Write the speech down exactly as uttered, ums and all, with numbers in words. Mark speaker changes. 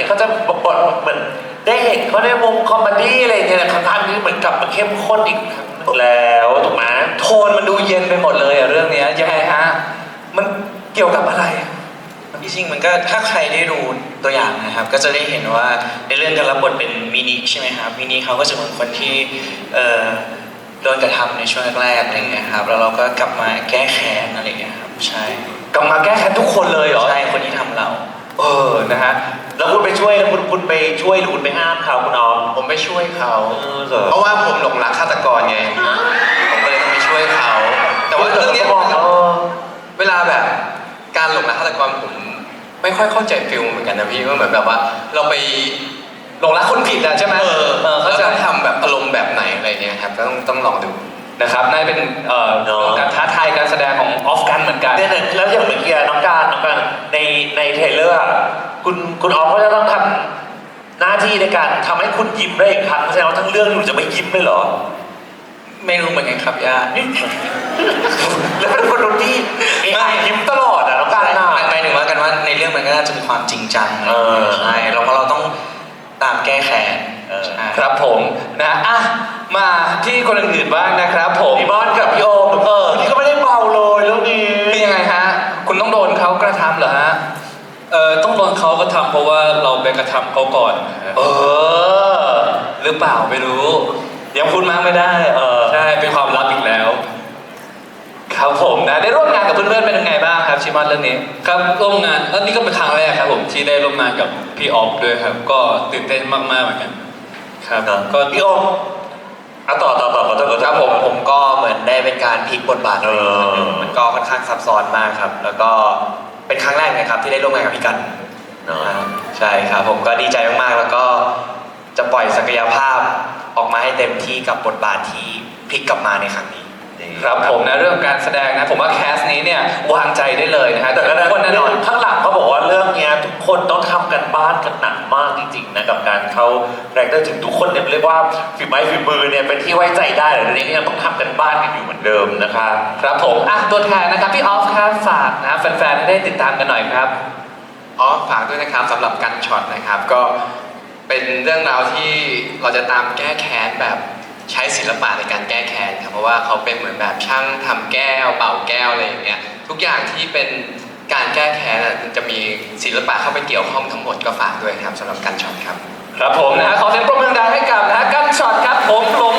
Speaker 1: เขาจะบทเหมือนได้เห็นเขาในวงคอมเมดี้อะไรเงี้ยครั้งนี้เหมือนกลับมาเข้มข้นอีกครั้งแล้วถูกไหม
Speaker 2: โทนมันดูเย็นไปหมดเลยอะเรื่องนี้ยังไงฮะมันเกี่ยวกับอะไร
Speaker 3: ที่จริงมันก็ถ้าใครได้ดูตัวอย่างนะครับก็จะได้เห็นว่าในเรื่องการรับบทเป็นมินิใช่ไหมครับมินิเขาก็จะเป็นคนที่เอ่อโดนกระทำในช่วงแรกๆอะไรเงี้ยครับแล้วเราก็กลับมาแก้แค้นอะไรเงี้ยครับใช่
Speaker 2: กลับมาแก้แค้นทุกคนเลยเหรอ
Speaker 3: ใช่คนที่ทำเรา
Speaker 2: เออนะฮะ
Speaker 1: แล้วคุณไปช่วยแล้วคุณคุณไปช่วยหรือคุณไปห้ามเขาคุณน้อง
Speaker 4: ผมไปช่วยเขา
Speaker 1: เออเหรอ
Speaker 4: เพราะว่าผมหลงรักฆาตกรไงผมก็เลยต้องไปช่วยเขาแต่ว่าเรื่องนี้เวลาแบบการหลงรักฆาตกรผมไม่ค่อยเข้าใจฟิลเหมือนกันนะพี่ว่าเหมือนแบบว่าเราไป
Speaker 2: หลงรักคนผิดอะใช่ไหม
Speaker 4: เออ
Speaker 2: เออเขาจะ
Speaker 4: ต้องทำแบบอารมณ์แบบไหนอะไรเงี้ยครับต้องต้องลองดู
Speaker 2: นะครับนั่นเป็นเอ่อการท้าทายการแสดงของออฟกันเหมือนกัน
Speaker 1: เนี่ยแล้วอย่างเมื่อกี้น้องการน้องการในในเทรลเลอร์คุณคุณออฟก็จะต้องทำหน้าที่ในการทำให้คุณยิ้มได้อีกครั้งแสดงว่าทั้งเรื่องอยู่จะไม่ยิ้มเลยเหรอ
Speaker 3: ไม่รู้เหมือนกันครับย่า
Speaker 1: แล้วเป็นคนที่ยิ้มตลอดอ่ะน้องการน่ะ
Speaker 3: หมายถึงว่ากันว่าในเรื่องมันก็น่าจะมีความจริงจังใช่เราเพราะเราต้องตามแก้แค้น
Speaker 2: ครับผมนะอ่ะมาที่คนอื่นๆบ้างนะครับผม
Speaker 1: พี่บอลกับพี่โอมเออนี่ก็ไม่ได้เบาเลยเรื่องนี้
Speaker 2: เป็นยังไงฮะคุณต้องโดนเขากระทำเหรอฮะ
Speaker 5: เอ่อต้องโดนเขากระทำเพราะว่าเราไปกระทำเขาก่อน
Speaker 2: เออหรือเปล่าไม่รู้ยังพูดมากไม่ได้เออ
Speaker 5: ใช่เป็นความลับอีกแล้ว
Speaker 2: ครับผมนะได้ร่วมงานกับเพื่อนๆเป็นยังไงบ้างครับชิมอนเรื่องนี้
Speaker 5: ครับร่วมงานแล้วนี่ก็เป็นครั้งแรกครับผมที่ได้ร่วมงานกับพี่ออฟด้วยครับก็ตื่นเต้นมากๆเหมือนกันครับ
Speaker 1: ก็พี่โอมอ่ะต่อต่อต่อขอโทษ
Speaker 4: ครับผมผมก็เหมือนได้เป็นการพลิกบทบาทเลยมันก็ค่อนข้างซับซ้อนมากครับแล้วก็เป็นครั้งแรกนะครับที่ได้ร่วมงานกับพี่กันใช่ครับผมก็ดีใจมากๆแล้วก็จะปล่อยศักยภาพออกมาให้เต็มที่กับบทบาทที่พลิกกลับมาในครั้งนี้
Speaker 2: ครับผมนะเรื่องการแสดงนะผมว่าแคสนี้เนี่ยวางใจได้เลยนะฮะ
Speaker 1: แต่ก็แน่นอนข้างหลังเขาบอกว่าเรื่องนี้ทุกคนต้องทำกันบ้านกันหนักมากจริงๆนะกับการเขาแรคเตอร์ถึงทุกคนเนี่ยเรียกว่าฝีไม้ฝีมือเนี่ยเป็นที่ไว้ใจได้แต่เรื่องนี้ยังต้องทำกันบ้านกันอยู่เหมือนเดิมนะครับ
Speaker 2: ครับผมอ่ะตัวแทนนะครับพี่ออฟครับฝากนะแฟนๆได้ติดตามกันหน่อยครับ
Speaker 4: อ๋อฝากด้วยนะครับสำหรับกันช็อตนะครับก็เป็นเรื่องราวที่เราจะตามแก้แค้นแบบใช้ศิลปะในการแก้แค้นครับเพราะว่าเขาเป็นเหมือนแบบช่างทำแก้วเป่าแก้วอะไรอย่างเงี้ยทุกอย่างที่เป็นการแก้แค้นจะมีศิลปะเข้าไปเกี่ยวข้องทั้งหมดก็ฝากด้วยครับสำหรับกันช็อตครับ
Speaker 2: ครับผมนะขอเสียงปรบมือดังให้กับนะกันช็อตครับผมหลง